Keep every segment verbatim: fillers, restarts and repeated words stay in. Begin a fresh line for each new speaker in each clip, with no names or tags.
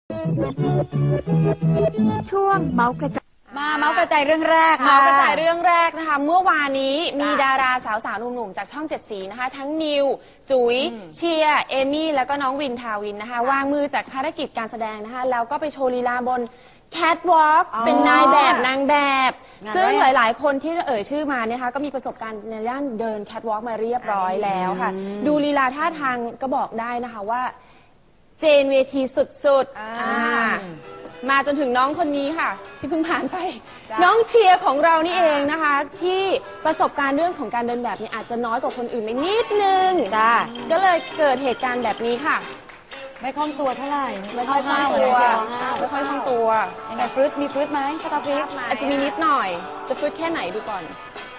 ช่วงเมาส์กระจาย
มาเมาส์กระจายเรื่องแรกค่ะ
เมาส์กระจายเรื่องแรกนะคะเมื่อวานนี้มีดาราสาวๆหนุ่มๆจากช่องเจ็ดสีนะคะทั้งนิวจุ๋ยเชียร์เอมี่แล้วก็น้องวินทาวินนะคะวางมือจากภารกิจการแสดงนะคะแล้วก็ไปโชว์ลีลาบนแคทวอล์กเป็นนายแบบนางแบบซึ่งหลายๆคนที่เอ่ยชื่อมาเนี่ยคะก็มีประสบการณ์ในด้านเดินแคทวอล์กมาเรียบร้อยแล้วค่ะดูลีลาท่าทางก็บอกได้นะคะว่าเจนเวทีสุดๆมาจนถึงน้องคนนี้ค่ะที่เพิ่งผ่านไปน้องเชียร์ของเรานี่เองนะคะที่ประสบการณ์เรื่องของการเดินแบบนี้อาจจะน้อยกว่าคนอื่นไปนิดนึงจ้าก็เลยเกิดเหตุการณ์แบบนี้ค่ะ
ไม่คล่องตัวเท่าไหร่
ไม่ค่อยคล่องตัวไม่ค่อยคล่องตัว
ยังไงฟรุตมีฟรุตไหมข้าวตาพริก
อาจจะมีนิดหน่อยจะฟรุตแค่ไหนดูก่อน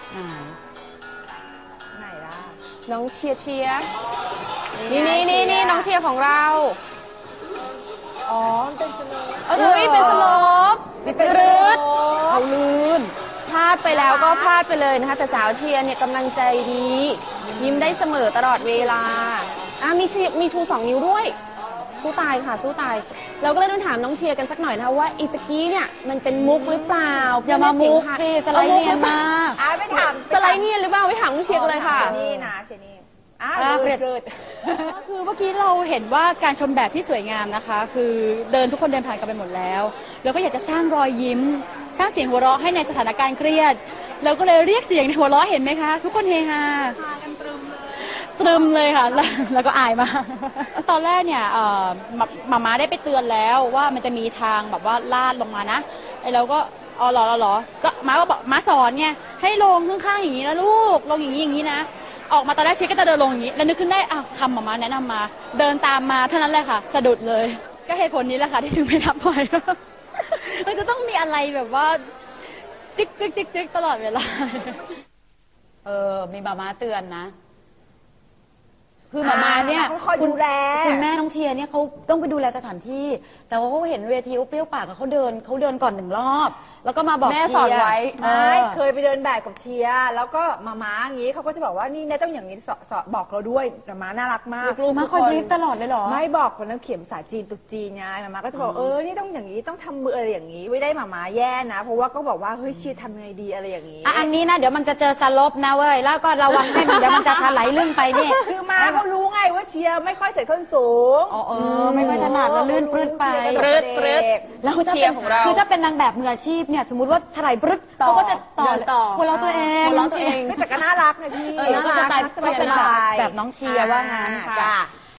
ไหนล่ะ
น้องเชียร์เชียร์นี่นี่นี่นี่น้องเชียร์ของเรา
อ๋อเป็นสโลป
เฮ้ยเป็นสโลป
เป็นรืดเขาลื่น
พลาดไปแล้วก็พลาดไปเลยนะคะแต่สาวเชียร์เนี่ยกำลังใจดียิ้มได้เสมอตลอดเวลาอ่ะมีมีชูสองนิ้วด้วยสู้ตายค่ะสู้ตายเราก็เลยต้องถามน้องเชียร์กันสักหน่อยนะคะว่าอีตะกี้เนี่ยมันเป็นมุกหรือเปล่า
อย่ามามุกสิสไลด์เนียนมาก
อ่ะไปถาม
สไลด์เนียนหรือเปล่าไปถามน้องเชียร์กันเลยค่ะ
นี่นะเชียร์นี่อ่ะ
เกิด
คือเมื่อกี้เราเห็นว่าการชมแบบที่สวยงามนะคะคือเดินทุกคนเดินผ่านกันไปหมดแล้วแล้วก็อยากจะสร้างรอยยิ้มสร้างเสียงหัวเราะให้ในสถานการณ์เครียดเราก็เลยเรียกเสียงในหัวเราะเห็นไหมคะทุกคนเฮฮา
พากันตรึมเลย
ตรึมเลยค่ะแล้วก็อายมากตอนแรกเนี่ยมาม่าได้ไปเตือนแล้วว่ามันจะมีทางแบบว่าลาดลงมานะไอ้เราก็อ๋อหรอหรอก็ม้าก็บอกม้าสอนไงให้ลงข้างๆอย่างนี้นะลูกลงอย่างนี้อย่างนี้นะออกมาตอนแรกเชคก็จะเดินลงอย่างนี้แล้วนึกขึ้นได้อ้าวคำมาม่าแนะนำมาเดินตามมาเท่านั้นแหละค่ะสะดุดเลยก็เหตุผลนี้แหละค่ะที่ถึงไม่รับบ่อยมันจะต้องมีอะไรแบบว่าจิกจิกจิกจิกตลอดเวลา
เออมีมาม่าเตือนนะคือมาม่าเนี่ย
คุณแล
คุณแม่น้องเชียร์เนี่ยเขาต้องไปดูแลสถานที่แต่ว่าเขาเห็นเวทีเปรี้ยวปากเขาเดินเขาเดินก่อนหนึ่งรอบแล้วก็มาบอก
แม่สอนไว้
ไม่เคยไปเดินแบบกับเชียร์แล้วก็มาม้าอย่างนี้เขาก็จะบอกว่านี่เนี่ยต้องอย่างนี้สอนบอกเราด้วยมาม้าน่ารักมาก
ลูกมาคอยบรีฟตลอดเลยเหรอ
ไม่บอกคนนั้นเขียนภาษาจีนตุกจีนไงมาม้าก็จะบอกเออนี่ต้องอย่างนี้ต้องทำมืออะไรอย่างนี้ไม่ได้มาม้าแย่นะเพราะว่าก็บอกว่าเฮ้ยเชียร์ทำยังไงดีอะไรอย่างนี้
อันนี้นะเดี๋ยวมันจะเจอสลบนะเว้ยแล้วก็ระวังให้มันเดี๋ยวมันจะถลายลื่นไปนี่
คือมาเขารู้ไงว่าเชียร์ไม่ค่อยใส่ส้นสูง
อ๋อเออไม่ค่อยถนัดแล้วลื่นปลื้ดไป
ปลื้ดปลื้ด
แล้วเชียร์ของเราคือถ้าเป็นนางแบบมืออาชีพเนี่ยสมมติว่าถลายปลื้ดเขาก็จะต่อ
ต่อ
หัวเราตัวเอง
หัวเราตัวเอง
แต่ก็น่ารักนะพี่
ก็จะแบบแบบน้องเชียร์ว่างั้น
จ้า